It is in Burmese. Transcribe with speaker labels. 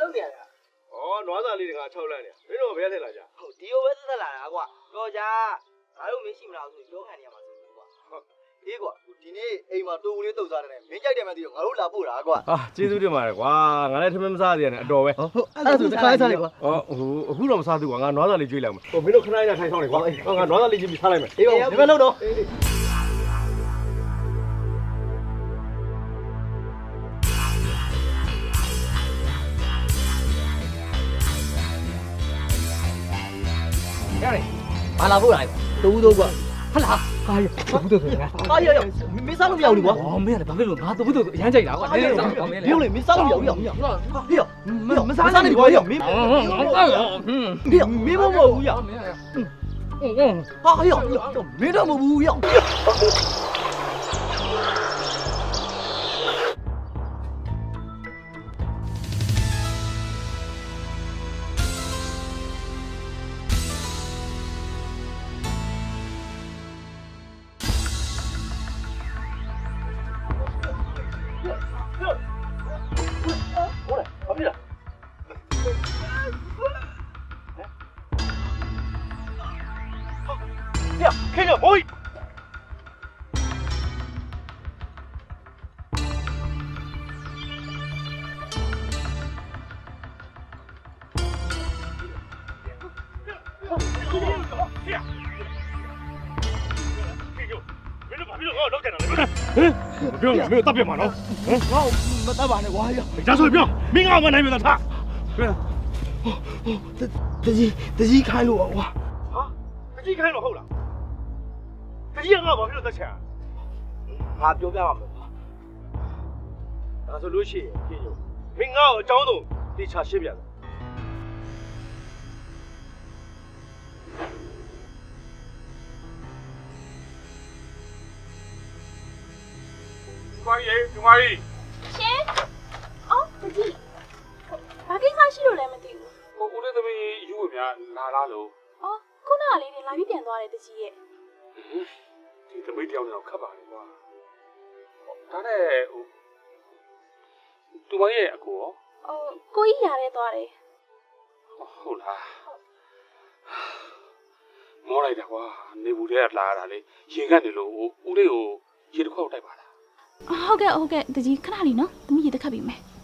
Speaker 1: လုပ်နေရတာ
Speaker 2: နွားစာလေးတွေက6လမ်းနေမင်းတို့ဘယ်ထဲလာကြ
Speaker 1: ဟုတ်ဒီလိုပဲသက်လာတာကွာတော့ကြာငါတို့မင်းရှိမလားဆိုပြောခံနေရမှာဆိုကွာဟုတ်အေးကွာဒီနေ့အိမ်မှာတိုးဦးလေးတုတ်စားတယ်နဲ့မင်းကြိုက်တယ်မှသိတော့ငါတို့လာပို့တာကွာ
Speaker 2: ဟာကျေးဇူးတင်ပါတယ်ကွာငါလည်းထမင်းမစားသေးရတယ်အတော်ပဲ
Speaker 1: ဟုတ်အဲ့ဒါဆိုတစ်ခါစားလိုက်ကွာ
Speaker 2: အခုတော့မစားသေးဘူးကွာငါနွားစာလေးကျွေးလိုက်မယ်မင်းတို့ခဏလေးထိုင်ဆောင်နေကွာငါနွားစာလေးကျွေးပြီးစားလိုက်မယ်
Speaker 1: အေးပါဒီဘက်လုံးတော့ရတယ်ဘာလာဖို့လာတူးတော့ကွာဟလာဟာရဘူးတော့ဆိုတာဟာရမင်းစားလို့မရဘူးကွာ
Speaker 3: 哦，没了，把这个拿走不走？杨家家，我这个
Speaker 1: 没有嘞，没စားလို့မရဘူးဟေ့မစားနေကွာရမင်းမင်းမမဘူးရဟာဟေ့မင်းတော့မဘူးရ
Speaker 2: 看着我不用了，没有大便马了。
Speaker 1: 我大把那瓜呀！
Speaker 2: 家说不要，明俺们那边的他。对。
Speaker 1: တကြီးခိုင်းလို့ကွာ
Speaker 2: 啊，တကြီးခိုင်းလို့ဟုတ်လားတကြီးကငါဘာဖြစ်လို့တက်ချင်
Speaker 1: ငါပြောပြပါမယ်ကွာ
Speaker 2: ဒါဆိုလို့ရှိရင်ပြင်ယူမင်းငါ့ကိုအကြောင်းဆုံးတေချာရှင်းပြတယ်
Speaker 4: ဒီမကြီး
Speaker 5: ရှင်အော်တကြီးဘာကိစ္စရှိလို့လဲမသိဘူး
Speaker 4: ဟိုဦးလေးသမီးယူဝင်များလာလားလို့
Speaker 5: အော်ခုနကလေးတွေလာပြီးပြန်သွားတယ်တကြီးရဲ့
Speaker 4: ဒီသမီးတယောက်နဲ့တော့ခတ်ပါလေကွာဒါနဲ့ဟိုသူမရဲ့အကိုရော
Speaker 5: ကိုကြီးရရဲသွားတယ်
Speaker 4: ဟုတ်လားမောလိုက်တာကွာနေဘူးတဲ့လာရတာလေရင်ကနေလို့ဦးလေးကိုရေတစ်ခွက်တိုက်ပါလား
Speaker 5: ဟုတ်ကဲ့တကြီးခဏလေးနော်သမီးရေတစ်ခတ်ပြီးမယ်